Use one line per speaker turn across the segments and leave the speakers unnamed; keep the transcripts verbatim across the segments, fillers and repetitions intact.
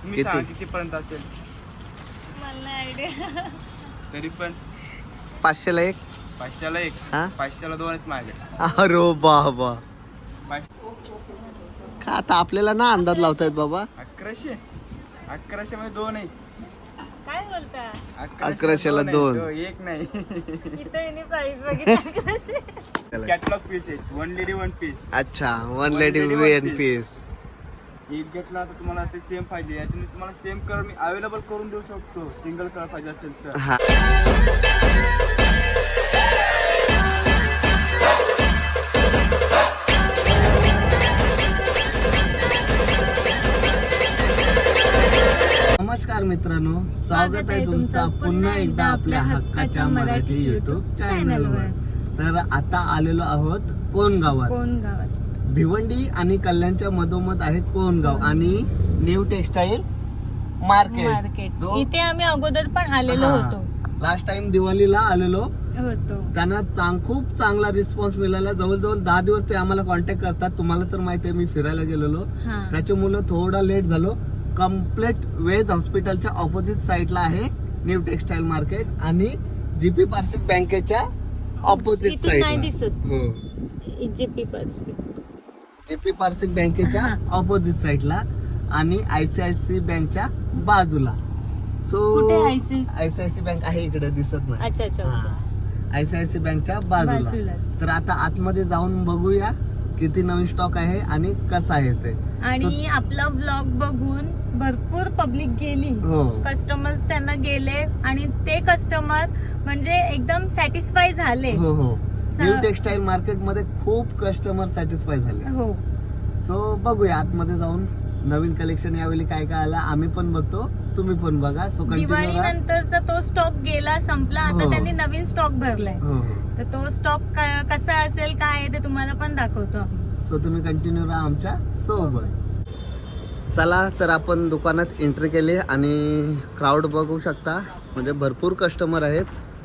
तुम्ही सांगा कितीपर्यंत असेल.
मला नाही आयडिया.
तरी पण
पाचशेला एक.
पाचशेला एक.
हा
पाचशेला दोन आहेत माझ्याकडे.
अरे बाबा,
पाचशे
का आता आपल्याला ना अंदाज लावतायत बाबा.
अकराशे अकराशे मध्ये दोन आहे.
काय बोलता?
अकराशेला दोन.
आहे, एक नाही.
इथं येणे प्राइस बघितली कशी.
कॅटलॉग पीस आहे. One lady one piece.
अच्छा, वन लेडी वन पीस.
एक घेतला तर तुम्हाला ते सेम पाहिजे. याच्यामध्ये तुम्हाला सेम कलर मी अवेलेबल करून देऊ शकतो. सिंगल कलर पाहिजे असेल तर.
हा नमस्कार मित्रांनो, स्वागत आहे तुमचं पुन्हा एकदा आपल्या हक्काच्या मराठी युट्यूब चॅनलवर. तर आता आलेलो आहोत कोण गावात.
कोण गावात?
भिवंडी आणि कल्याणच्या मधोमध आहे कोणगाव आणि न्यू टेक्सटाईल मार्केट.
मार्केट इथे आम्ही अगोदर पण आलेलो होतो.
लास्ट टाइम दिवाळीला आलेलो
होतो.
त्यांना चांग खूप चांगला रिस्पॉन्स मिळाला. जवळजवळ दहा दिवस ते आम्हाला कॉन्टॅक्ट करतात. तुम्हाला तर माहिती आहे मी फिरायला गेलेलो, त्याच्यामुळे थोडा लेट झालो. कम्प्लीट वेद हॉस्पिटलच्या ऑपोजिट साइडला आहे न्यू टेक्सटाईल मार्केट आणि जीपी पार्सिक बँकेच्या ऑपोजिट साइडला. हो,
जीपी पार्सिक
जीपी पार्सिक बँकेच्या ऑपोजिट साइडला आणि आयसीआयसी बँकच्या बाजूला. सो आयसीआयसी बँक आहे इकडे दिसत नाही.
अच्छा अच्छा.
आयसीआयसी बँकच्या बाजूला. तर आता आतमध्ये जाऊन बघूया किती नवीन स्टॉक आहे आणि कसं आहे ते.
आणि आपला ब्लॉग बघून भरपूर पब्लिक गेली.
हो,
कस्टमर्स त्यांना गेले आणि ते कस्टमर म्हणजे एकदम सॅटिस्फाय झाले.
हो हो. न्यू टेक्सटाईल मार्केट मध्ये खूप कस्टमर सॅटिस्फाय झाले.
हो.
सो बघूया आतमध्ये जाऊन नवीन कलेक्शन यावेळी काय काय आला आम्ही पण बघतो, तुम्ही पण बघा. सो
दिवाळी नंतरचा तो स्टॉक गेला, संपला. आता
हो.
त्यांनी नवीन स्टॉक भरलाय.
हो.
तर तो स्टॉक कसा असेल काय आहे ते तुम्हाला पण दाखवतो.
सो तुम्ही कंटिन्यू राहा आमच्या सोबत. चला तर आपण दुकानात एंट्री केली आणि क्राऊड बघू शकता. म्हणजे भरपूर कस्टमर आहेत,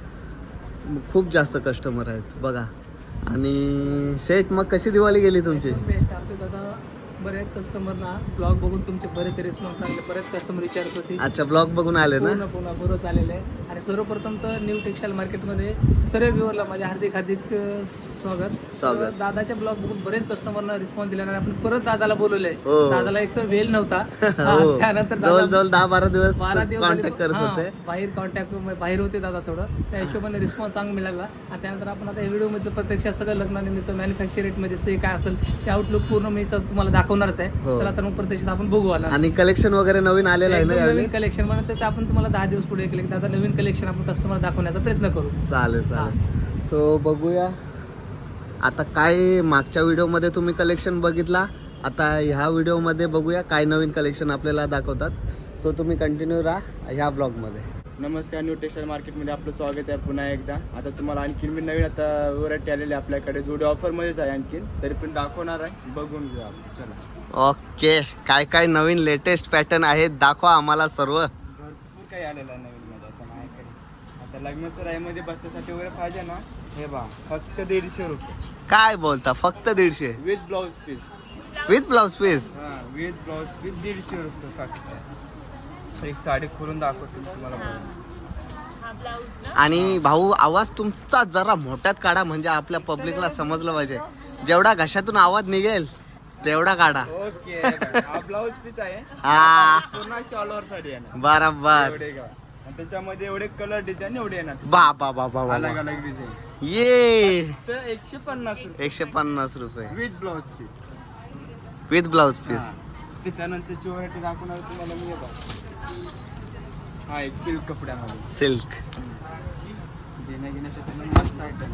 खूप जास्त कस्टमर आहेत बघा. आणि शेठ, मग कशी दिवाळी गेली तुमची?
दादा, बरेच कस्टमरना ब्लॉग बघून तुमचे बरेच रिस्पॉन्स चांगले, बरेच कस्टमर विचारत होते.
अच्छा, ब्लॉग बघून आले ना?
पुन्हा पुन्हा बरोबर आलेले आहे. आणि सर्वप्रथम तर न्यू टेक्सटाईल मार्केटमध्ये सर्व व्ह्यूअरला माझ्या हार्दिक हार्दिक स्वागत.
स्वागत.
दादाच्या ब्लॉग बघून बरेच कस्टमरना रिस्पॉन्स दिला आणि आपण परत दादाला बोलवलंय.
हो.
दादाला एक तर वेळ नव्हता.
हो.
त्यानंतर
जवळजवळ दहा बारा दिवस
बारा दिवस
कॉन्टॅक्ट करत होते.
बाहेर कॉन्टॅक्ट बाहेर होते दादा थोडं, त्या हिशोबाने रिस्पॉन्स चांगला मिळाला. आणि त्यानंतर आपण आता व्हिडिओ मध्ये प्रत्यक्षात सगळं लग्नानिमित्त मॅन्युफॅक्चर रेट मध्ये से काय असेल ते आउटलुक पूर्ण मी तर तुम्हाला दाखवणारच आहे.
हो.
तर मग प्रत्यक्षात आपण बघू आला.
आणि कलेक्शन वगैरे नवीन आलेलं आहे ना यावेळी?
नवीन कलेक्शन म्हणून तर आपण तुम्हाला दहा दिवस पुढे केले दादा नवीन कलेक्शन आपण कस्टमर दाखवण्याचा प्रयत्न करू.
चालेल चालेल. सो बघूया आता काय मागच्या व्हिडिओ मध्ये तुम्ही कलेक्शन बघितला, आता ह्या व्हिडिओ मध्ये बघूया काय नवीन कलेक्शन आपल्याला दाखवतात. सो तुम्ही कंटिन्यू राहा ह्या ब्लॉग मध्ये.
नमस्कार, न्यू टेक्सटाईल मार्केटमध्ये आपलं स्वागत आहे पुन्हा एकदा. आता तुम्हाला आणखीन मी नवीन आता व्हरायटी आलेली आपल्याकडे, जोडी ऑफरमध्येच आहे आणखीन, तरी पण दाखवणार आहे, बघून घ्या. चला.
ओके, काय काय नवीन लेटेस्ट पॅटर्न आहेत दाखवा आम्हाला सर्व.
भरपूर काही आलेलं आहे नवीन मध्ये आता माझ्याकडे. आता लग्नाचं राईमध्ये बसण्यासाठी वगैरे पाहिजे ना, हे बा फक्त दीडशे रुपये.
काय बोलता, फक्त दीडशे
with blouse piece?
With blouse piece?
हां, विथ ब्लाऊज पीस दीडशे रुपये फक्त. एक साडी खोलून दाखवतो तुम्हाला.
आणि भाऊ, आवाज तुमचा जरा मोठ्यात काढा म्हणजे आपल्या पब्लिकला समजलं पाहिजे. जेवढा घशातून आवाज निघेल तेवढा काढा.
ओके. हा ब्लाऊज पीस आहे.
हा,
पूर्ण ऑल ओव्हर साडी आहे ना.
बरोबर.
एवढे का? आणि त्याच्यामध्ये एवढे कलर डिझाईन एवढे येणार.
बा बा बा बा
अलग
बा.
अलग डिझाईन.
ये
तर एकशे पन्नास रुपये
एकशे पन्नास रुपये
with blouse piece.
With blouse piece.
त्याच्यानंतरची व्हरायटी दाखवणार तुम्हाला मी. येतो हा एक सिल्क कपड्यामध्ये
सिल्क.
घेण्या घेण्यासाठी पण मस्त आयटम.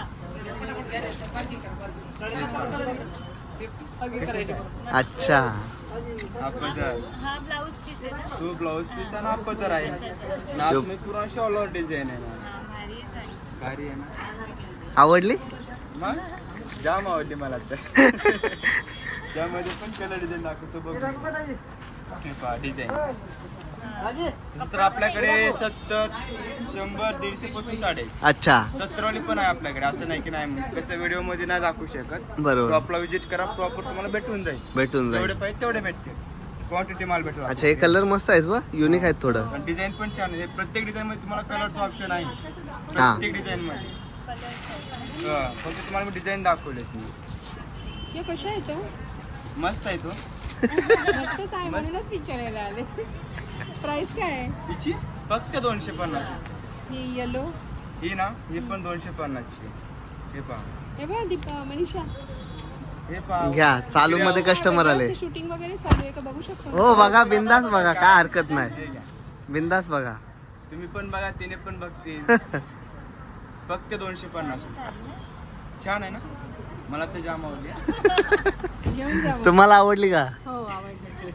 अच्छा,
हा पदर,
हा ब्लाऊज पीस आहे ना?
तो ब्लाऊज पीस आणि हा पदर आहे. नाच में पूरा शॉलवर डिझाईन आहे ना. भारी आहे ना.
आवडली?
मग जाम आवडली मला तर. त्यामध्ये पण कलर डिझाईन दाखवतो बघ. डिझाईन तर आपल्याकडे सत्तर, शंभर, दीडशे पासून साडे.
अच्छा,
सत्तरवाली पण आहे आपल्याकडे, असं नाही की नाही. कसं व्हिडिओ मध्ये नाही दाखवू शकत.
बरोबर.
शॉपला विजिट करा, प्रॉपर तुम्हाला भेटून जाईल.
भेटून
जेवढे
जाईल.
पाहिजे तेवढे भेटतील. क्वांटिटी माल भेटेल
अच्छा हे कलर मस्त आहेत बा, युनिक आहेत थोडं.
पण डिझाईन पण छान आहे. प्रत्येक डिझाईन मध्ये तुम्हाला कलरचं ऑप्शन आहे प्रत्येक डिझाईन मध्ये. हा, फक्त तुम्हाला मी डिझाईन दाखवले
हे कशा आहे तो
मस्त आहे तो.
मस्तच आहे म्हणूनच विचारायला आले. प्राइस काय आहे
हिची फक्त दोनशे पन्नास.
ही येलो
ही ना ही पण दोनशे पन्नासची. हे पहा
हे बघ दीप मनीषा
हे पहा
घ्या, चालू मध्ये कस्टमर आले.
शूटिंग वगैरे चालू आहे का बघू शकतो.
हो बघा, बिंदास बघा, काय हरकत नाही,
हे घ्या.
बिंदास बघा.
तुम्ही पण बघा, तिने पण बघतील. फक्त दोनशे पन्नास. छान आहे ना, मला ते जाम आवडली.
घेऊन जा मग.
तुम्हाला आवडली का?
हो आवडलं.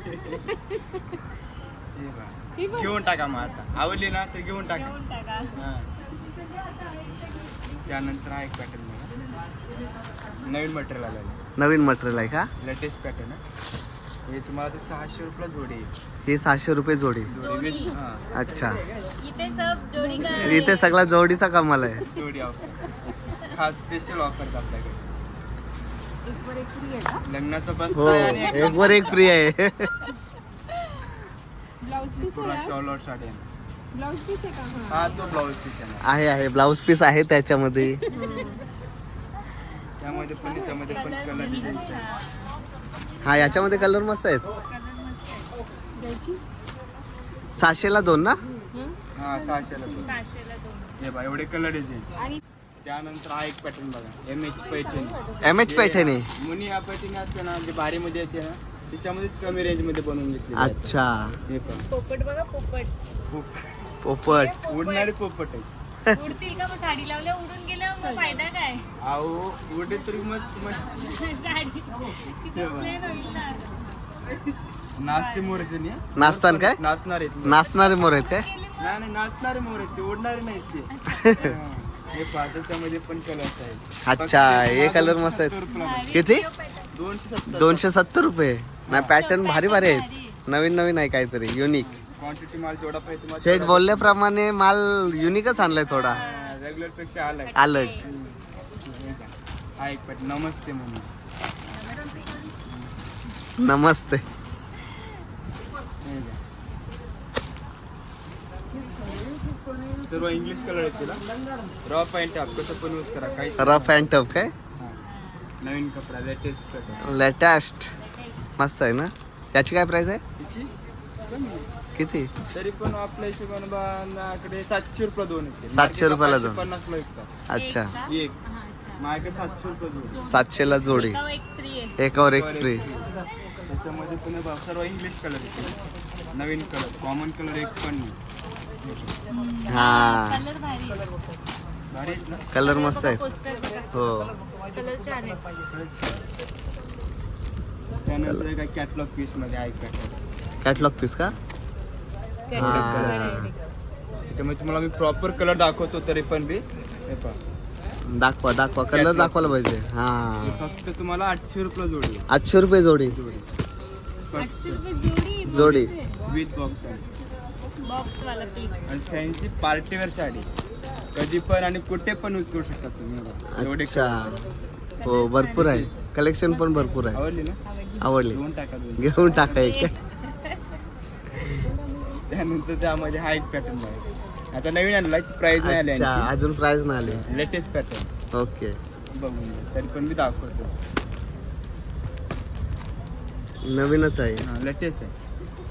हे पहा.
ही बघ.
घेऊन टाका मग आता. आवडली ना तर घेऊन टाका.
घेऊन टाका.
हा. त्यानंतर हा एक पॅटर्न बघा, नवीन मटेरियल आलेलं,
नवीन मटेरियल आहे का?
लेटेस्ट पॅटर्न आहे. हे तुम्हाला ते सहाशे रुपयाला जोडी आहे.
ही सहाशे रुपये जोडी.
जोडी with- हा,
अच्छा,
इथे सब जोडी का
इथे सगळा जोडीचा कमाल आहे.
जोडी ऑफर, खास स्पेशल ऑफर आपल्याकडे. लग्नाचं बस
हो, एक वर एक फ्री आहे.
ब्लाउज पीस
पूर्ण
आहे
शॉल और साडी आहे.
ब्लाउज पीस आहे का हा
हा तो ब्लाऊज पीस आहे ना.
आहे आहे ब्लाऊज पीस आहे त्याच्यामध्ये.
त्यामध्ये पण त्यामध्ये पण कलर डिझाईन
हा, याच्यामध्ये कलर मस्त आहेत.
द्यायची
सहाशेला दोन ना?
हं?
हा सहाशेला तो.
सहाशेला दोन.
हे बघा एवढे कलर डिझाईन.
आणि
त्यानंतर हा एक पॅटर्न बघा, M H Paithani.
M H Paithani.
मुनी या पैठणी असते ना, जे भारी मध्ये येते ना, त्याच्यामध्येच कमी रेंज मध्ये बनवून घेतली.
अच्छा,
हे पण
पोपट बघा, पोपट
पोपट.
उडणारे पोपट आहे.
उडतील का? मग साडी लावल्या उडून गेल्या मग फायदा काय?
अहो उडे तरी मस्त मस्त
साडी किती plain होईल ना.
नाचते मोर आहेत त्यांनी.
नाचतान काय?
नाचणार आहेत.
नाचणारे मोर आहेत काय?
नाही नाही, नाचणारे मोर आहेत ते, उडणारे नाहीत ते. हा. हे पहा, त्याच्यामध्ये पण कलर्स आहेत.
अच्छा, हे कलर मस्त आहेत. किती?
दोनशे सत्तर.
दोनशे सत्तर रुपये. नाही, पॅटर्न भारी भारी आहेत, नवीन नवीन आहे काहीतरी युनिक.
क्वांटिटी माल जेवढा पाहिजे तुम्हाला
सेट बोलल्याप्रमाणे माल युनिकच आणलाय थोडा,
रेग्युलर पेक्षा अलग.
अलग.
हा एक पॅट नमस्ते म्हणून.
नमस्ते.
हे घ्या. सर्व इंग्लिश कलर आहेत तिला. रॉ पॅन्ट टॉप कसं पण यूज करा, काही
रफ अँड टफ काय?
नवीन कपडा लेटेस्ट पॅटर्न.
लेटेस्ट मस्त आहे ना. त्याची काय प्राइस आहे?
तिची कमी आहे.
किती?
तरी पण आपल्या हिशोबाने माझ्याकडे सातशे रुपये दोन येते.
सातशे रुपयाला दोन.
पन्नास ला विकतात
अच्छा,
एक. माझ्याकडे सातशे रुपये दोन.
सातशेला जोडी,
एकावर एक फ्री आहे.
एकावर एक फ्री.
त्याच्यामध्ये तुम्ही बघा, सर्व इंग्लिश कलर येते. नवीन कलर, कॉमन कलर एक पण नाही.
हा,
कलर भारी आहे.
भारी आहेत ना.
कलर मस्त आहेत.
पोस्टर बघा,
हो,
कलर छान आहे.
त्यानंतर काय कॅटलॉग पीस मध्ये आहे पॅटर्न.
कॅटलॉग पीस का? हा.
त्याच्यामध्ये तुम्हाला मी प्रॉपर कलर दाखवतो तरी पण बी. हे पहा,
दाखवा दाखवा, कलर दाखवायला पाहिजे.
हे
हा,
फक्त तुम्हाला आठशे रुपये जोडी आहे.
आठशे रुपये जोडी.
जोडी
आठशे रुपये जोडी.
जोडी.
विथ बॉक्स आहे.
बॉक्स वाला पीस.
आणि फॅन्सी पार्टीवेअर साडी कधी पण आणि कुठे पण यूज करू शकता तुम्ही. हे बघा, एवढे
अच्छा,
colours आहेत.
हो भरपूर आहे, कलेक्शन पण भरपूर आहे.
आवडली ना?
आवडली,
घेऊन टाका दोन.
घेऊन टाका एक.
त्यानंतर त्यामध्ये हा एक पॅटर्न आहे. आता नवीन आणला, प्राइस नाही आली.
अच्छा, अजून प्राइस नाही आली.
लेटेस्ट पॅटर्न
ओके,
बघून घ्या. तरी पण मी दाखवतो.
नवीनच आहे.
हा लेटेस्ट आहे.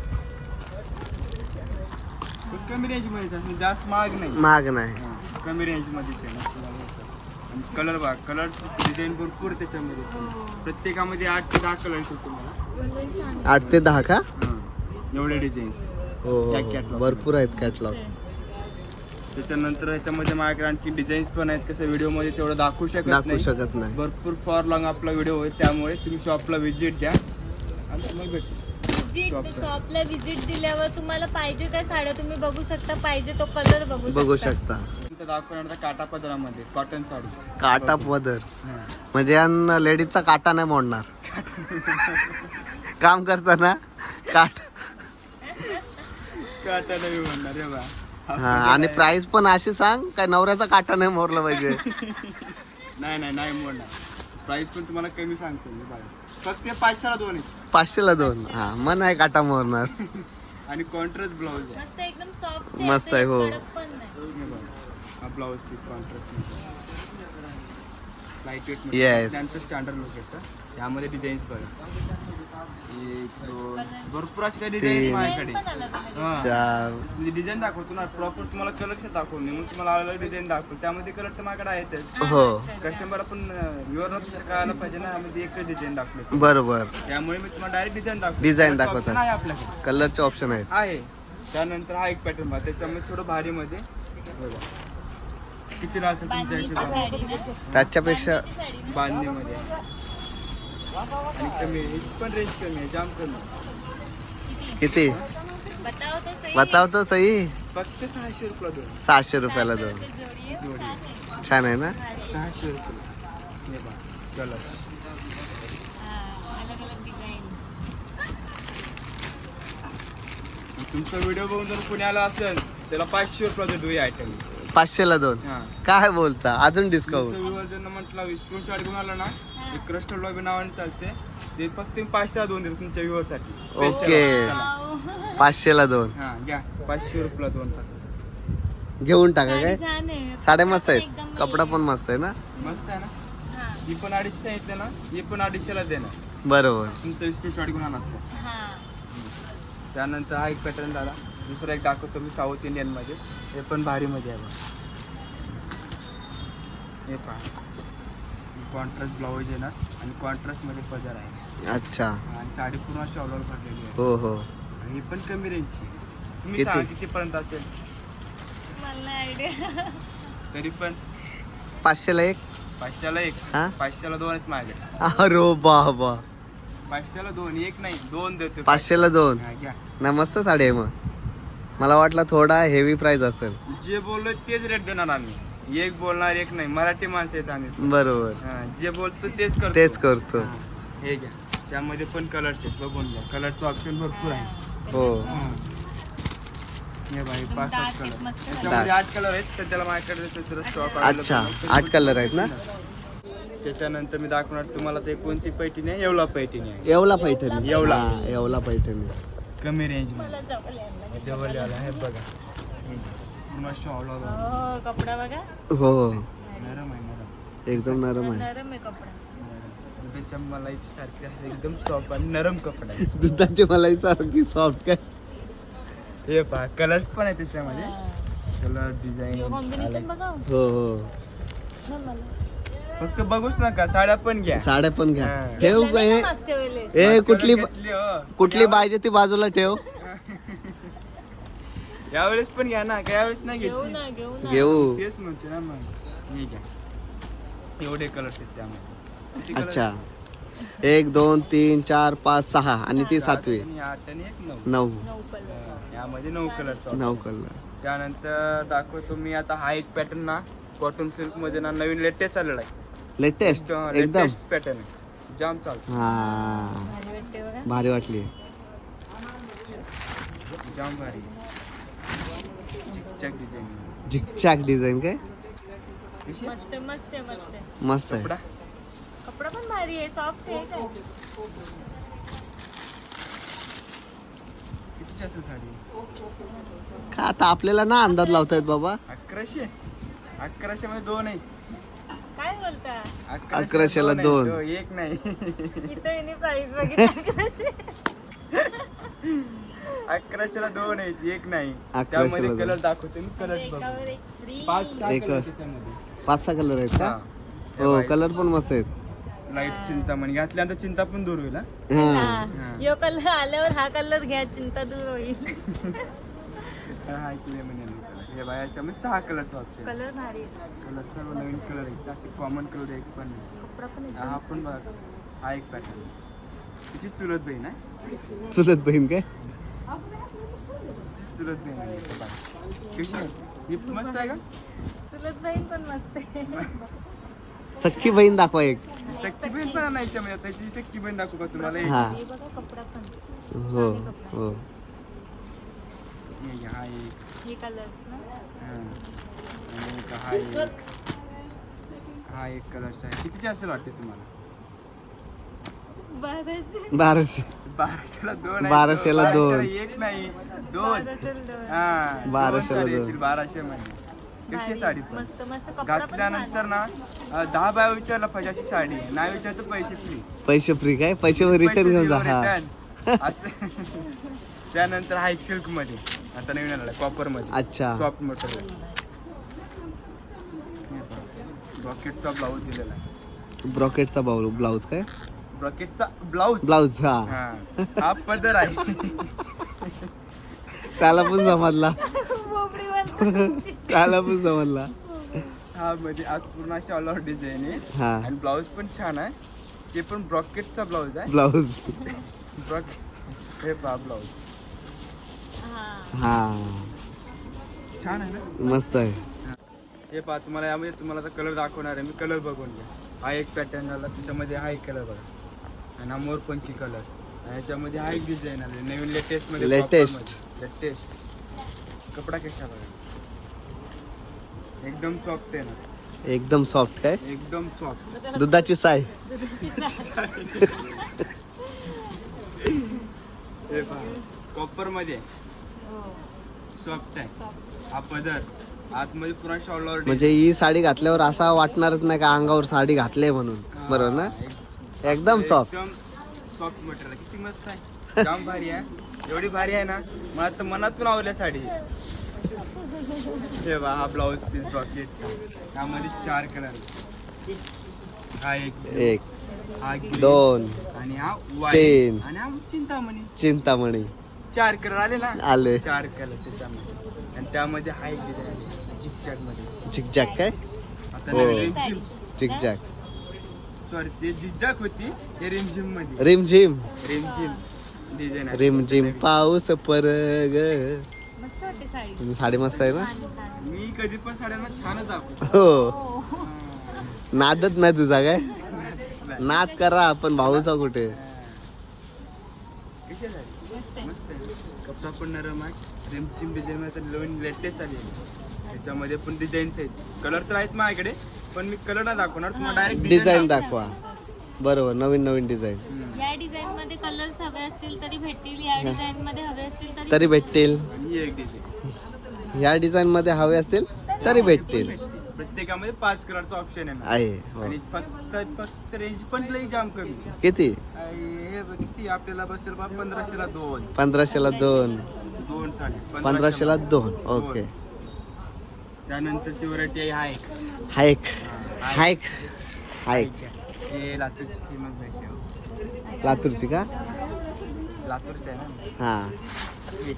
खूप कमी रेंज मध्ये आहे, जास्त महाग नाही.
महाग नाही.
हा, कमी रेंज मध्ये कलर बघा, कलर डिझाईन भरपूर त्याच्यामध्ये. प्रत्येकामध्ये आठ ते दहा कलर येतो तुम्हाला.
आठ ते दहा का?
हा, एवढे डिझाईन.
हो हो,
त्या
हो,
catalog.
भरपूर आहेत कॅटलॉग.
त्याच्यानंतर ह्याच्यामध्ये माझ्याकडे आणखी डिझाईन्स पण आहेत. कसं व्हिडिओ मध्ये तेवढं दाखवू शकत
दाखवू
नाही.
शकत नाही.
भरपूर फॉर लॉंग आपला व्हिडिओ होईल, त्यामुळे तुम्ही शॉपला व्हिजिट द्या आणि मग भेटू.
विजिट शॉपला विजिट दिल्यावर तुम्हाला पाहिजे त्या साड्या तुम्ही बघू शकता, पाहिजे तो कलर बघू शकता.
बघू शकता.
नंतर दाखवणार आता काटा पदरामध्ये कॉटन साडी.
काटा पदर
हा.
म्हणजे या लेडीजचा काटा नाही मोडणार. काम करताना काट.
काटा नाही म्हणणार हे बा.
हा, आणि प्राइस पण अशी सांग काय नवऱ्याचा काटा नाही मोरला पाहिजे.
नाही नाही नाही मोडणार. प्राइस पण तुम्हाला कमी सांगतो मी बघा. फक्त पाचशेला दोन आहेत.
पाचशेला दोन. हा मन आहे काटा मोरणार.
आणि कॉन्ट्रास्ट ब्लाऊज आहे.
मस्त एकदम सॉफ्ट
मस्त आहे, हो.
पण नाही.
हे बघा. हा blouse piece contrast light weight
Yes.
त्यांचं स्टँडर्ड लुक येतं. त्यामध्ये डिझाईन्स बघा. एक दोन भरपूर अशी काही डिझाईन
तीन.
माझ्याकडे.
पण आला तुम्ही.
हा.
चार.
म्हणजे डिझाईन दाखवतो ना प्रॉपर तुम्हाला कलेक्शन दाखवून मी मग तुम्हाला अलग अलग डिझाईन दाखवतो. त्यामध्ये कलर तर माझ्याकडे आहेतच.
हो
कस्टमर आपण युअर कळायला पाहिजे ना आम्ही एकच डिझाईन दाखवतो.
बरोबर.
त्यामुळे मी तुम्हाला डायरेक्ट डिझाईन दाखवतो.
Design
Color
दाखवतात.
option आहे आपल्याकडे
कलरचे ऑप्शन आहेत.
आहे. त्यानंतर हा एक पॅटर्न बघा त्याच्यामध्ये थोडं भारीमध्ये बघा किती असेल तुमच्या
बांधणीची
हिशोबाने
साडी ना.
त्याच्यापेक्षा
बांधणीची साडी ना.
बांधणीमध्ये आणि कमी आहे. हिची पण रेंज कमी आहे जाम कमी आहे.
किती
बताओ तो सही.
बताव तो सही.
फक्त सहाशे रुपये दोन
सहाशे रुपयाला दोन.
जोडी आहे.
जोडी.
छान आहे.
छान आहे ना.
सहाशे रुपये हे बघा कलर
हा, अलग अलग डिझाईन.
तुमचा व्हिडिओ बघून जर पुण्याला असेल त्याला पाचशे रुपयाचं डोई आयटम
पाचशेला दोन.
हा
काय बोलता अजून डिस्काउंट.
विवर्जन म्हटलं स्क्रीनशॉट घेऊन आला ना एक क्रस्टल लॉबी नावाने चालते ते फक्त मी पाचशेला दोन देतो तुमच्या व्ह्यूअरसाठी
ओके. पाचशेला दोन
हा घ्या पाचशे रुपयाला दोन फक्त
घेऊन टाका
साडी
काय.
छान आहे.
साड्या मस्त
एकदम
आहेत. कपडा पण मस्त आहे ना.
मस्त आहे ना
हा,
ही पण अडीचशे येते ना ही पण अडीचशेला देणार
बरोबर.
तुमचं स्क्रीनशॉट घेऊन आणा
हा.
त्यानंतर हा एक पॅटर्न झाला दुसरा एक दाखवतो मी साऊथ इंडियन मध्ये हे पण भारीमध्ये आहे बघा. हे पहा कॉन्ट्रास्ट ब्लाऊज येणार आणि कॉन्ट्रास्ट मध्ये पदर आहे
अच्छा.
आणि साडी पूर्ण शॉलवर भरलेली आहे
हो हो.
आणि ही पण कमी रेंजची तुम्ही
किती?
सांगा कितीपर्यंत असेल
मला आयडिया.
तरी पण
पाचशेला एक.
पाचशेला एक
हा?
पाचशेला दोन आहेत माझ्याकडे.
अरे बाबा.
पाचशेला दोन एक नाही दोन देतो
पाचशेला दोन.
हा, घ्या
ना मस्त साडी आहे मग. मला वाटलं थोडा हेवी प्राइस असेल.
जे बोललो तेच रेट देणार आम्ही एक बोलणार एक नाही मराठी माणसं आहेत आम्ही
बरोबर.
हा, जे बोलतो तेच करतो
तेच करतो.
हा, हे घ्या त्यामध्ये पण कलर्स आहेत बघून घ्या कलरचं ऑप्शन भरपूर आहे.
हो
हा. हे बाई पाच सात
dark
कलर
आहेत, मस्त
त्याच्यामध्ये आठ कलर आहेत सध्याला माझ्याकडे स्टॉक
अच्छा. आठ कलर आहेत ना.
त्याच्यानंतर मी दाखवणार तुम्हाला ते कोणती पैठणी आहे येवला पैठणी आहे
येवला पैठणी.
येवला.
हा, येवला पैठणी.
कमी रेंज
मला जवळ यायला लागलं.
जवळ आला हे बघा पूर्ण शॉल आला
हो, कपडा बघा.
हो
नरम आहे नरम
एकदम नरम आहे.
नरम आहे कपडा.
दुधाच्या मलाईची सारखी आहे एकदम सॉफ्ट आणि नरम कपडा आहे.
दुधाची मलाई सारखी सॉफ्ट काय.
हे पहा कलर्स पण आहे त्याच्यामध्ये कलर डिझाईन
कॉम्बिनेशन बघा
हो हो.
ना मला.
फक्त बघूच नका साड्या पण घ्या
साड्या पण घ्या.
हा.
ठेव
घेतलं
का
नाही
हे.
का मागच्या वेळेस?
ए कुठली
घेतली, हो.
कुठली पाहिजे ती बाजूला ठेव.
यावेळेस पण घ्या ना काय यावेळेस नाही
घेऊ
घ्यायची
ना घेऊ ना.
घेऊ.
तेच म्हणते ना मग हे घ्या एवढे कलर्स आहेत त्यामध्ये किती colours
अच्छा.
आहेत?
एक दोन तीन चार पाच सहा आणि ती सातवी.
आणि आठ आणि एक नऊ
नऊ.
नऊ कलर.
हा, यामध्ये नऊ कलरचा
नऊ कलर.
त्यानंतर दाखवतो मी आता हा एक पॅटर्न ना कॉटन सिल्क मध्ये ना नवीन लेटेस्ट आलेला आहे
लेटेस्ट एकदम.
लेटेस्ट पॅटर्न आहे जाम चालतो
हा
भारी वाटते बघा.
भारी वाटली.
जाम भारी चिकचक डिझाईन
झिकचॅक डिझाईन काय.
कशी आहे?
मस्त मस्त आहे, मस्त आहे.
मस्त आहे.
कपडा
कपडा पण भारी आहे सॉफ्ट आहे काय.
कितीची असेल साडी
का आता आपल्याला ना अंदाज लावतायत बाबा.
अकराशे अकराशे मध्ये दोन आहे
काय बोलता.
अकराशेला
आहे,
दोन.
तो एक नाही
इथं हिने प्राइस बघितली कशी.
अकराशेला दोन आहेत एक नाही
अकराशेला
त्यामध्ये
दोन.
कलर दाखवतो मी कलर
एकावर एक फ्री.
पाच सहा
एक.
कलर त्याच्यामध्ये
पाच सहा कलर आहेत का.
हा.
हो कलर पण मस्त आहेत.
लाईट चिंतामणी घातल्यानंतर चिंता पण दूर होईल हा.
हा
हा. यो कलर आल्यावर हा कलर घ्या चिंता दूर होईल.
हा इकडे म्हणे कलर हे बाय याच्यामध्ये सहा कलरचा ऑप्शन
कलर भारी आहे.
कलर सर्व नवीन कलर आहेत असे कॉमन कलर एक पण नाही
कपडा पण एकदम
हा पण बघ हा एक पॅटर्न तिची चुलत बहीण आहे
चुलत बहीण काय.
तिची चुलत बहीण आहे इथं बघ. कशी आहे ही मस्त आहे का
चुलत बहीण पण मस्त आहे.
सख्खी बहीण दाखवा एक.
सक्की बहीण पण आणायची म्हणजे त्याची सक्की बहीण दाखवू का तुम्हाला एक?
हा
हे बघा कपडा पण.
हो हो.
हे घ्या, हा एक
हे कलर्स ना.
हा. आणि एक हा एक हा एक कलरचा आहे कितीचे असेल वाटते तुम्हाला
बाराशे
बाराशे
बाराशेला दोन आहेत.
बाराशेला दोन.
बाराशेला एक नाही दोन
बाराशेला दोन.
हा
बाराशेला
दोन साडी
दोन.
येतील बाराशे मध्ये. कशी आहे
भारी.
साडी पण
मस्त मस्त कपडा पण छान
घातल्यानंतर
आहे.
ना अं, दहा बाया विचारला पाहिजे अशी साडी नाही विचारतो पैसे फ्री
पैसे फ्री काय पैसे रिटर्न घेऊन जा हा
असं त्यानंतर हा एक सिल्क मध्ये आता नवीन आला कॉपर मध्ये
अच्छा.
सॉफ्ट मटेरियल ब्रॉकेटचा ब्लाऊज दिलेला आहे
ब्रॉकेटचा बाऊल ब्लाऊज काय
ब्रॉकेटचा ब्लाऊज
ब्लाऊज हा
हा हा पदर आहे
त्याला पण समजला
बोबडीवाला.
त्याला पण समजला
हा मध्ये आज पूर्ण अशी ऑल ओव्हर डिझाईन आहे
हा
आणि ब्लाऊज पण छान आहे ते पण ब्रॉकेटचा ब्लाऊज आहे
ब्लाऊज
ब्रॉकेट हे पहा ब्लाऊज
हा.
हा
छान आहे ना
मस्त आहे
हे पहा तुम्हाला यामध्ये तुम्हाला आता कलर दाखवणार आहे मी कलर बघून घ्या हा एक पॅटर्न आला त्याच्यामध्ये हा एक कलर बघा आणि हा मोरपंखी कलर आणि याच्यामध्ये हा एक डिझाईन आले नवीन लेटेस्ट मध्ये
Latest.
लेटेस्ट कपडा कशा बघा एकदम सॉफ्ट आहे ना
एकदम सॉफ्ट काय
एकदम सॉफ्ट
दुधाची साय
हे पहा कॉपर मध्ये सॉफ्ट आहे हा पदर आतमध्ये पुरा शॉलवर
म्हणजे ही साडी घातल्यावर असा वाटणारच नाही का अंगावर साडी घातले म्हणून बरोबर ना एकदम सॉफ्ट
एकदम सॉफ्ट मटेरियल किती मस्त आहे जाम भारी आहे एवढी भारी आहे ना मला तर मनातून आवडल्या साडी हे बा हा ब्लाऊज पीस ब्रॉकेटचा त्यामध्ये चार कलर हा एक
एक
हा green,
दोन
आणि हा
तीन.
व्हाईट आणि हा चिंतामणी
चिंतामणी
चार कलर आले ना
आले
चार कलर त्याच्यामध्ये आणि त्यामध्ये हा एक डिझाईन झिकझॅक मध्ये
झिकझॅक काय
आता
हो.
नवीन रिमझिम
झिकझॅक
सॉरी ते झिकझॅक होती हे रिमझिम मध्ये
रिमझिम
रिमझिम डिझाईन आहे
रिमझिम पाऊस परग
मस्त वाटते साडी.
साडी मस्त आहे ना
छान, छान.
मी कधी पण साड्यांना छानच दाखवतो
हो
हो.
नादच नाही तुझा काय नाद करा आपण भाऊचा कुठे
कशी आहे साडी?
मस्त आहे.
मस्त आहे कपडा पण नरम आहे रिमझिम डिझाईन मध्ये तर नवीन लेटेस्ट आली त्याच्यामध्ये पण डिझाईन्स आहेत कलर तर आहेत माझ्याकडे पण मी कलर नाही दाखवणार तुम्हाला डायरेक्ट
डिझाईन दाखवा बरोबर नवीन नवीन डिझाईन
या डिझाईन मध्ये कलर्स हवे असतील तरी भेटतील या डिझाईन मध्ये हवे असतील तरी
तरी भेटतील
ही एक डिझाईन
या डिझाईन मध्ये हवे असतील तरी भेटतील
प्रत्येकामध्ये पाच कलरचा ऑप्शन आहे ना
आहे हो.
आणि फक्त फक्त रेंज पण लई जाम कमी
किती
आणि हे बघ, किती आपल्याला बसेल बा पंधराशेला दोन
पंधराशेला दोन
दोन साडी
पंधराशेला दोन ओके
त्यानंतरची व्हरायटी आहे हा एक
हायक हायक हायक
हे लातूरची फेमस भाषा आहे
लातूरची का
लातूरची आहे ना
हा
हे.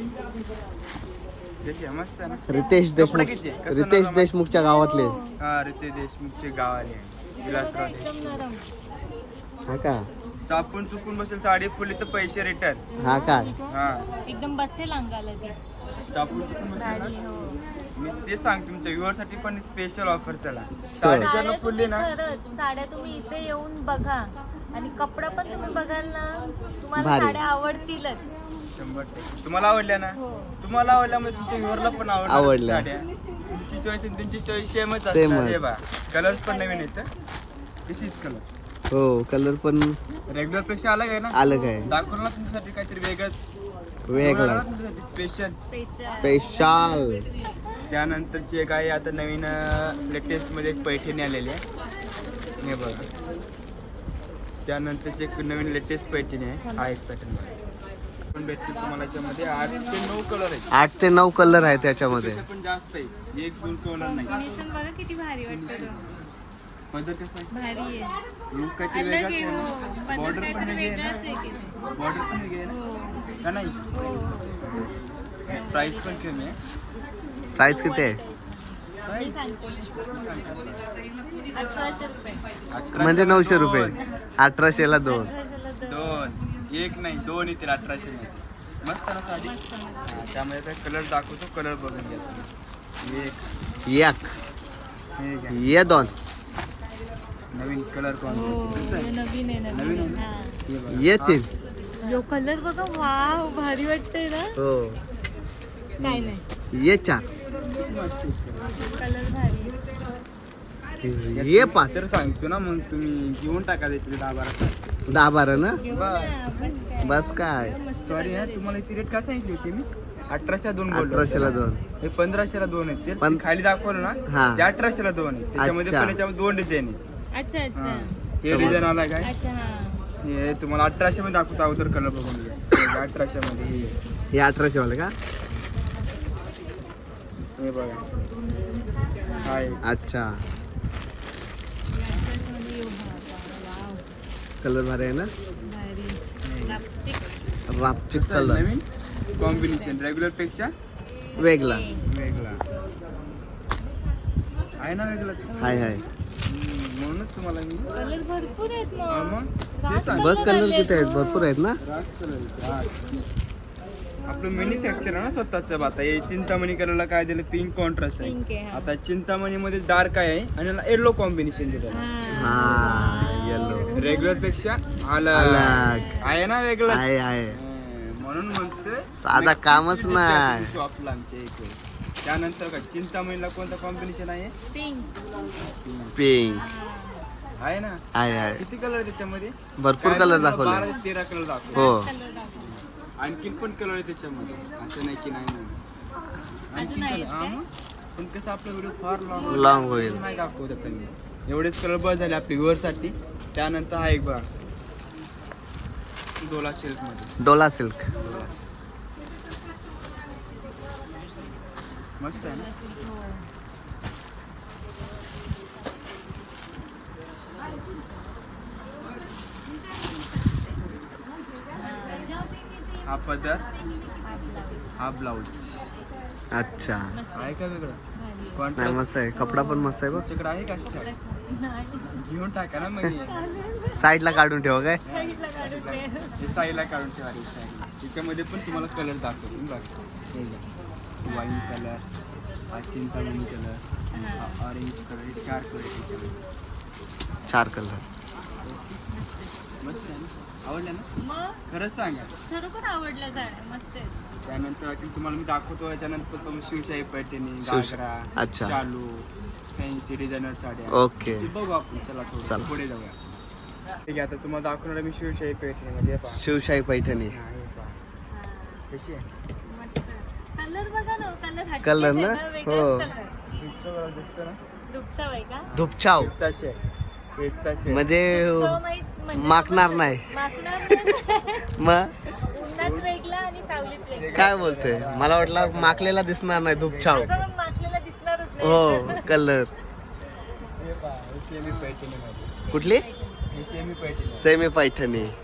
कशी आहे? मस्त आहे ना
रितेश
कपडा
देशमुख
किती आहे? कसं
रितेश
नरम आहे?
देशमुखच्या गावातले
हा रितेश देशमुखचे गाव आले आहे. विलासराव
एकदम
देशमुख
नरम.
हा का
चापून चुकून बसेल साडी फुली तर पैसे रिटर्न
हा काय
हा
एकदम बसेल अंगाला ती
चापून चुकून बसेल
साडी.
ना
हो.
मी ते सांग तुमच्या व्ह्युअर साठी पण स्पेशल ऑफर चला साडी जर
साड्या
फुलली
तुम्ही
ना
खरंच साड्या तुम्ही इथे येऊन बघा आणि कपडा पण तुम्ही बघाल ना तुम्हाला
भारी.
साड्या आवडतीलच.
शंभर टक्के तुम्हाला आवडल्या ना
हो.
तुम्हाला आवडल्यामुळे तुमच्या व्ह्युअरला पण आवडल्या
आवडल्या.
साड्या तुमची चॉईस आणि तुमची चॉईस सेमच
Same
असणार
च.
हे बा कलर पण नवीन येतं तशीच कलर
हो कलर पण
रेग्युलर पेक्षा अलग आहे ना
अलग आहे
दाखवलं ना तुमच्यासाठी काहीतरी वेगळंच
वेगळा
स्पेशल
स्पेशल
स्पेशल
त्यानंतरची एक आहे आता नवीन लेटेस्ट मध्ये एक पैठणी आलेली आहे हे बघा त्यानंतरची एक नवीन लेटेस्ट पैठणी आहे हा एक पॅटर्न पण भेटतील तुम्हाला याच्यामध्ये आठ ते नऊ कलर आहेत
आठ ते नऊ कलर आहे त्याच्यामध्ये
त्यापेक्षा पण जास्त आहे एक दोन कलर नाही
कॉम्बिनेशन बघा किती भारी वाटतं
पदर कसं आहे
भारी आहे
लुक काही
अलग
वेगळाच
आहे
आहे
हो.
ना
बदल
बॉर्डर पण
काहीतरी
वेगळी आहे
वेगळाच आहे की नाही?
ना बॉर्डर पण वेगळी आहे ना
हो.
का नाही
हो.
प्राइस पण कमी आहे
प्राइस किती आहे
मी सांगते अठराशे रुपये
अठराशे
म्हणजे नऊशे
दोन.
रुपये अठराशेला दोन
अठराशेला दोन.
दोन एक नाही दोन येतील अठराशे मध्ये मस्त ना साडी
मस्त मस्त.
हा, त्यामध्ये आता कलर दाखवतो कलर बघून घ्या तुम्ही. एक
एक
हे घ्या.
ये दोन
नवीन कलर
हो
कॉम्बिनेशन
हे नवीन आहे
नवीन
नवीन
आहे ना?
आहे.
हे बघा.
ये
हा,
तीन
यो कलर बघा वाव भारी वाटतंय ना
हो
काय नाही
ये चार
मस्त आहे colour.
कलर भारी
ये पाच
तर सांगतो ना मग तुम्ही घेऊन टाका तिथे दहा बारा साडी.
दहा बारा ना
घेऊ ना, बस काय.
बस काय
सॉरी हा तुम्हाला याची रेट का सांगितली होती मी अठराशे दोन बोललो
अठराशेला दोन
हे पंधराशेला दोन आहेत ते
पण-
खाली दाखवलं ना
हा.
ते अठराशेला दोन आहेत त्याच्यामध्ये
अच्छा.
पण याच्यामध्ये दोन डिझाईन आहेत
अच्छा अच्छा
हा. हे
समज.
डिझाईन आला काय
अच्छा हा
हे तुम्हाला अठराशे मध्ये दाखवतो अगोदर कलर बघून घ्या अठराशे मध्ये हे.
हे अठराशे वाले का
हे बघा हा एक.
अच्छा
याच्यामध्ये येऊ हा आता. वाव.
कलर भारी आहे ना
भारी. लापचिक.
रापचिक
कसं आहे,
कलर
नवीन कॉम्बिनेशन रेग्युलर पेक्षा
वेगळा
वेगळा आहे ना वेगळा ते?
हाय हाय
हम्म, म्हणूनच तुम्हाला मी
कलर भरपूर आहेत
हा
मग.
मग ते
रास
सांग
बघ कलर
आले
किती आहेत
मग.
भरपूर आहेत ना
रास कलर रास आपलं मॅन्युफॅक्चर आहे ना स्वतःच आता हे चिंतामणी कलरला काय दिलं पिंक कॉन्ट्रास्ट
Pink आहे,
आहे
हा.
आता चिंतामणी मध्ये डार्क आहे आणि येलो कॉम्बिनेशन दिलं
हा.
हा येलो
रेग्युलर पेक्षा अलग
अलग.
आहे ना वेगळं
आहे आहे
म्हणून म्हणतोय
साधा कामच नाही.
शॉपला आमच्या इथे त्यानंतर का चिंतामणीला कोणतं कॉम्बिनेशन आहे
पिंक.
पिंक
आहे ना
आहे आहे
किती कलर आहे त्याच्यामध्ये
भरपूर
काय
कलर
म्हणलं,
दाखवले
बारा ते तेरा कलर दाखवले
हो
कलर दाखव.
आणखीन पण कलर आहे त्याच्यामध्ये असं नाही की नाही नाही आणखीन
आहेत
कलर हा
काय?
मग. पण कसं आपला व्हिडिओ फार लॉंग
Long होईल.
नाही दाखवत आता मी एवढेच कलर बस झाले आपल्या व्ह्युअरसाठी त्यानंतर हा एक बघा डोला सिल्क मध्ये
डोला सिल्क
डोला silk. मस्त आहे ना हा पदर हा ब्लाऊज
अच्छा
आहे का वेगळं
नाही
कॉन्ट्रास्ट
मस्त आहे कपडा पण मस्त आहे बघ
तुमच्याकडे आहे का अशी साडी घेऊन टाका ना मग हे.
साईडला काढून ठेवा काय
हे साईडला काढून ठेवा रे साईडला त्याच्यामध्ये पण तुम्हाला कलर दाखवतो बघा हे घ्या वाईन कलर हा चिंतामणी कलर हा ऑरेंज कलर हे चार कलर त्याच्यामध्ये
चार कलर
मस्त आहे ना आवडलं ना
मग
खरंच सांगा
खरोखर आवडल्या साड्या मस्त आहेत.
त्यानंतर आणखी तुम्हाला मी दाखवतो याच्यानंतर तुम्ही शिवशाही पैठणी
शिवशा-
घागरा
अच्छा.
चालू फॅन्सी डिझायनर साड्या
ओके
ते बघू आपण चला थोडं
चला.
पुढे जाऊया ठीक आहे आता तुम्हाला दाखवणार मी शिवशाही पैठणीमध्ये हे पहा
शिवशाही पैठणी
हा, हे पहा
हा,
कशी आहे
मस्त. कलर बघा ना कलर
कलर ना? हो.
तुमचं बरं दिसतं ना
दुपछाव आहे का?
धुपछाव
एकताशे एकताशे
म्हणजे
दुपछाव माहित म्हणजे
माकणार
समजलं?
नाही.
माकणार नाही.
मग
उन्हात वेगळा आणि सावलीत वेगळा.
काय बोलते मला वाटलं माकलेला दिसणार नाही धुपछाव
असं मग माकलेला दिसणारच नाही.
हो कलर
हे पहा हे सेमी पैठणीमध्ये
कुठली
हे सेमी पैठणी
सेमी पैठणी
हे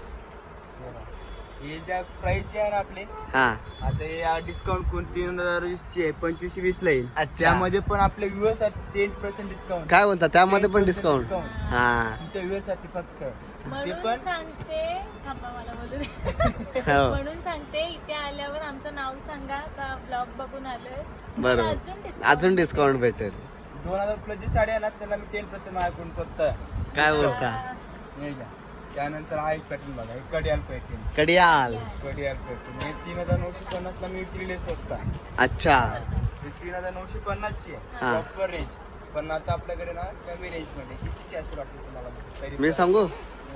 ज्या प्राइस आहे ना आपले
हा
आता हे डिस्काउंट कोण तीन हजार वीसची आहे पंचवीसशे वीस ला येईल
अच्छा.
त्यामध्ये पण आपल्या व्ह्युअर साठी टेन पर्सेंट डिस्काउंट
काय बोलता त्यामध्ये पण
ten percent
डिस्काउंट
discount.
हा
तुमच्या व्ह्युअर साठी फक्त ते
म्हणून
पण
सांगते थांबा मला बोलू दे.
हो.
म्हणून सांगते इथे आल्यावर आमचं नाव सांगा का ब्लॉग बघून आलोय
बरोबर
अजून discount
अजून डिस्काउंट भेटेल
दोन हजार प्लस जी साडी आहे ना त्याला मी टेन पर्सेंट माझ्याकडून स्वतः
काय बोलता
हे घ्या त्यानंतर हा एक पॅटर्न बघा हे कडियाल पॅटर्न
कडियाल
कडियाल पॅटर्न हे तीन हजार नऊशे पन्नास ला मी विक्रीले स्वतः
अच्छा
हे तीन हजार नऊशे पन्नास ची आहे
हा.
प्रॉपर रेंज पण आता आपल्याकडे ना कमी रेंज मध्ये कितीची अशी वाटते तुम्हाला तरी
मी सांगू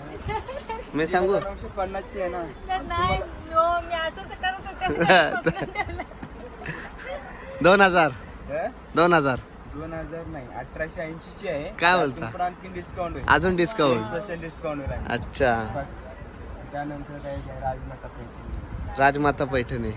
मी सांगू
नऊशे पन्नास ची आहे ना
तर नाही no, मी असंच करत होते
दोन हजार
हे?
दोन हजार
दोन हजार नाही अठराशे ऐंशी ची आहे
काय
त्यातून
बोलता?
पण आणखी डिस्काउंट होईल
अजून डिस्काउंट
पर्सेंट डिस्काउंट होईल आणखी.
अच्छा
त्यानंतर काय घ्या राजमाता पैठणी
राजमाता पैठणी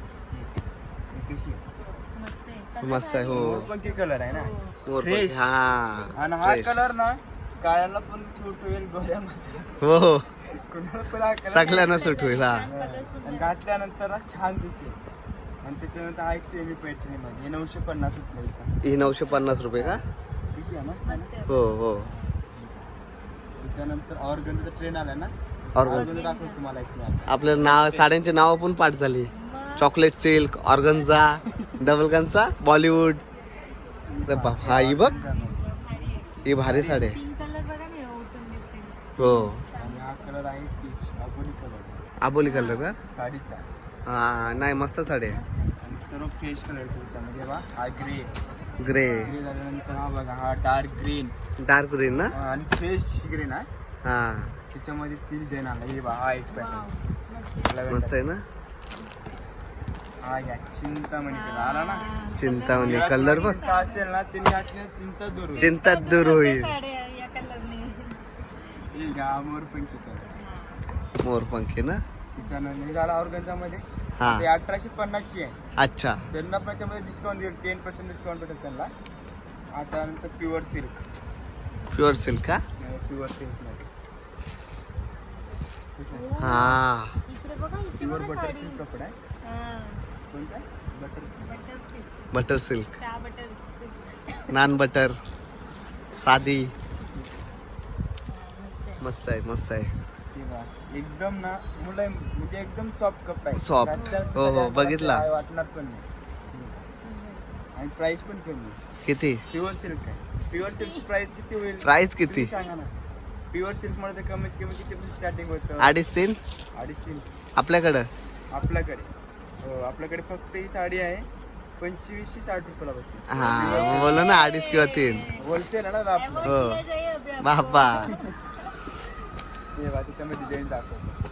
ही कशी आहे?
मस्त आहे.
मस्त आहे हो
मोरपंखी कलर आहे ना
मोरपंखी.
Fresh.
हा
आणि हा
fresh.
कलर ना काळ्याला पण सूट होईल गोऱ्या मसाला
हो हो
कुणाला पण हा कलर
सगळ्यांना सूट होईल हा
आणि घातल्यानंतर ना छान दिसेल आणि त्याच्यानंतर हा एक सेमी पैठणी मध्ये हे नऊशे पन्नास रुपये
ही नऊशे पन्नास रुपये का
कशी आहे मस्त आहे ना?
हो हो
त्याच्यानंतर ऑर्गनचा ट्रेन आला ना
ऑर्गन
ऑर्गन दाखवतो तुम्हाला एक मी आता.
आपलं नाव साड्यांची नावं पण पाठ झाली चॉकलेट सिल्क ऑर्गनचा डबल गनचा बॉलिवूड अरे बाप हा ही बघ ही भारी साडी आहे.
पिंक कलर बघा ना उठून दिसते.
हो
आणि हा कलर आहे पीच अबोली कलर
आबोली कलर का
साडीचा
हा नाही मस्त साडी आहे
आणि सर्व फ्रेश कलर त्याच्यामध्ये बा हा ग्रे
ग्रे
ग्रे झाल्यानंतर हा बघा हा डार्क ग्रीन
डार्क ग्रीन ना
आणि फ्रेश ग्रीन आहे
हा
त्याच्यामध्ये तीन डिझाईन आला. हे बा हा एक पॅटर्न
मस्त आहे ना.
हा घ्या चिंतामणी कलर आला ना.
चिंतामणी कलर बस
चिंता असेल ना त्यांनी असल्या चिंता दूर होईल.
चिंता दूर होईल.
साड्या या कलरने.
हे घ्या मोरपंखी कलर.
मोरपंखी ना.
त्याच्यानंतर हे झाला ऑर्गन्झामध्ये.
हा
ते अठराशे पन्नास ची आहे.
अच्छा.
त्यांना पण त्यामध्ये डिस्काउंट देईल. टेन पर्सेंट डिस्काउंट भेटेल त्यांना. आता नंतर प्युअर सिल्क.
प्युअर सिल्क का.
प्युअर सिल्क मध्ये
हा
इकडे बघा इथे
प्युअर
बघा
बटर
साडी.
सिल्क कपडा आहे.
हा,
कोणता butter silk.
Butter silk.
Butter silk.
चहा बटर सिल्क.
नान बटर साधी.
हा, मस्त आहे.
मस्त आहे मस्त आहे.
ती बस. एकदम ना मुलं म्हणजे एकदम सॉफ्ट कपडा आहे.
Soft.
त्याच्यात
हो, हो,
त्याच्यात
बघितला.
काय वाटणार पण नाही. आणि प्राइस पण कमी आहे.
किती
प्युअर सिल्क आहे. प्युअर सिल्कची प्राइस किती होईल.
प्राइस किती.
तुम्ही सांगा ना. प्युअर सिल्क मध्ये कमीत कमी किती स्टार्टिंग होतं.
अडीच तीन
अडीच तीन
आपल्याकडं.
आपल्याकडे. हो आपल्याकडे फक्त ही साडी आहे पंचवीसशे साठ रुपयाला बसते.
हा बोला ना अडीच किंवा तीन.
होलसेल आहे ना आपलं.
हो
ये जाइए अभी आपको.
बाबा.
हे बघा त्याच्यामध्ये डिझाईन दाखवतो.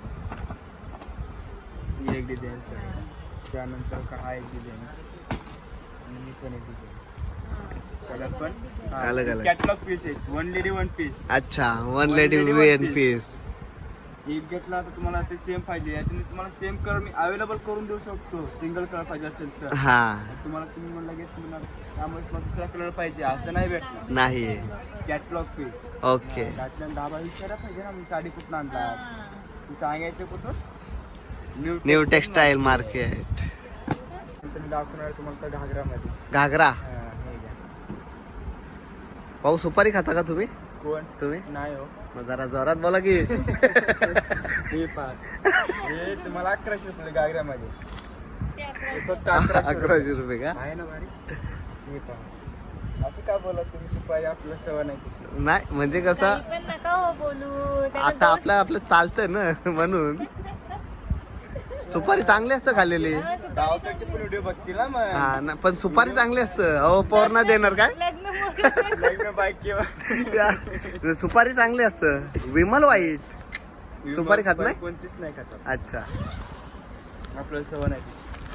ही एक डिझाईनच आहे. त्यानंतर का हा एक डिझाईन आणि ही पण एक डिझाईन. कलर पण
अलग अलग.
कॅटलॉग पीस आहे. One lady one piece.
अच्छा वन लेडी वन पीस.
एक घेतला तर तुम्हाला ते सेम पाहिजे. याच्यामध्ये तुम्हाला सेम कलर मी अवेलेबल करून देऊ शकतो. सिंगल कलर पाहिजे असेल तर.
हा
तुम्हाला तुम्ही म्हणलं लगेच म्हणणार त्यामुळे तुम्हाला दुसरा कलर पाहिजे असं नाही भेटणार.
नाही.
Catalogue piece.
ओके.
त्यातल्या दहा विचारा पाहिजे ना मी साडी कुठून आणला. ती सांगायचं कुठून.
New textile market.
नंतर मी दाखवणार आहे तुम्हाला तर घागरामध्ये.
घागरा.
हा, हे घ्या.
पाऊ सुपारी खाता का तुम्ही.
कोण
तुम्ही
नाही हो.
मग जरा जोरात बोला की.
हे पाच हे तुम्हाला अकराशे रुपये घागऱ्यामध्ये. हे फक्त अकराशे रुपये.
अकराशे रुपये का.
आहे ना भारी. हे पहा असं का बोला तुम्ही. सुपारी आपलं सवय नाही कशी.
नाही म्हणजे कसं
काही पण नका हो बोलू. त्याला
आता आपलं आपलं चालतंय ना म्हणून. सुपारी चांगली असतं खाल्लेली.
गावाकडचे पण व्हिडिओ बघतील ना मग.
हा ना पण सुपारी चांगली असतं. अहो पौर्णा देणार काय.
लग्न मोकळं.
लग्न बाईक किंवा
सुपारी चांगली असतं. विमल वाईट. सुपारी खात नाही?
कोणतीच नाही खात.
अच्छा.
आपलं सवय नाही.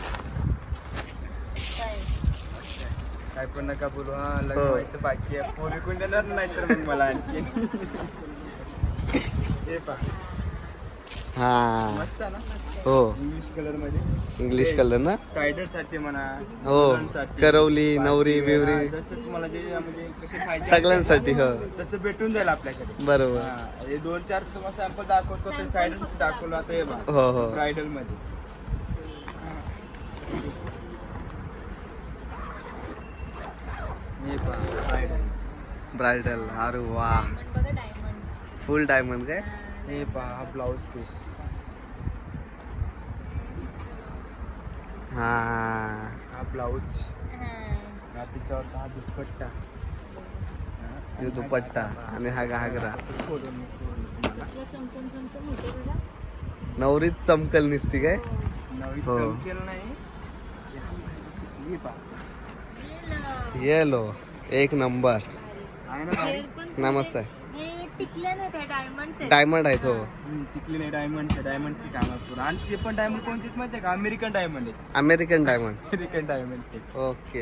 काय?
काय पण नका बोलू. हा लग्न
हो.
व्हायचं बाकी आहे. पोरी कोण देणार नाही तर मग मला आणखी. हे पहा
हा
मस्त आहे ना.
हो
इंग्लिश कलर मध्ये.
इंग्लिश कलर ना.
सायडर साठी म्हणा.
हो
मुलांसाठी,
करवली नवरी
बाकी,
बिवरी
हा, जसं तुम्हाला जे म्हणजे कसे पाहिजे
सगळ्यांसाठी. हो
तसं भेटून जाईल आपल्याकडे.
बरोबर.
हा, हे दोन चार तुम्हाला सॅम्पल दाखवतो. ते सायडर दाखवलं आता. हे बघा
हो हो
ब्रायडल मध्ये. हे पहा ब्रायडल.
ब्रायडल. अरे वा
बघा डायमंड.
फुल डायमंड काय.
हे पहा हा ब्लाऊज पीस.
हा
हा ब्लाऊज. हा तिच्यावर हा दुपट्टा.
हे दुपट्टा आणि हा घागरा.
खोलून मी खोलून तुम्हाला.
चमचम चमचम होते बघा.
नवरीच चमकल निसती काय.
नवीन
हो.
चमकेल नाही. हे पहा
येलो एक नंबर.
आहे ना भारी?
हेअर पण
नमस्ते.
हे टिकल्या नाही त्या डायमंड
डायमंड आहेत हो.
हम्म, टिकली नाही. डायमंड डायमंडची काम आहे पूर्ण. आणि ते पण डायमंड कोणतीच माहिती आहे का. अमेरिकन डायमंड आहे.
American diamond.
अमेरिकन डायमंडचे
ओके.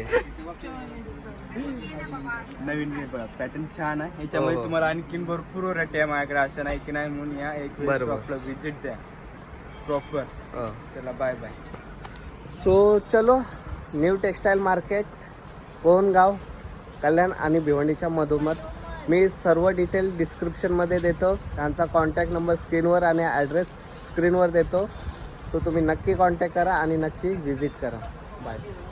नवीन पॅटर्न छान आहे. ह्याच्यामध्ये
हो, हो.
तुम्हाला आणखीन भरपूर व्हरायटी आहे माझ्याकडे. असं नाही की नाही म्हणून या एक वेळेस
बरोबर.
आपलं विजिट द्या प्रॉपर.
हो.
चला बाय बाय.
सो चलो new textile market Kongaon Kalyan आणि भिवंडीच्या मधोमध. मी सर्व डिटेल डिस्क्रिप्शनमध्ये देतो. त्यांचा कॉन्टॅक्ट नंबर स्क्रीनवर आणि ॲड्रेस स्क्रीनवर देतो. सो तुम्ही नक्की कॉन्टॅक्ट करा आणि नक्की व्हिजिट करा. बाय.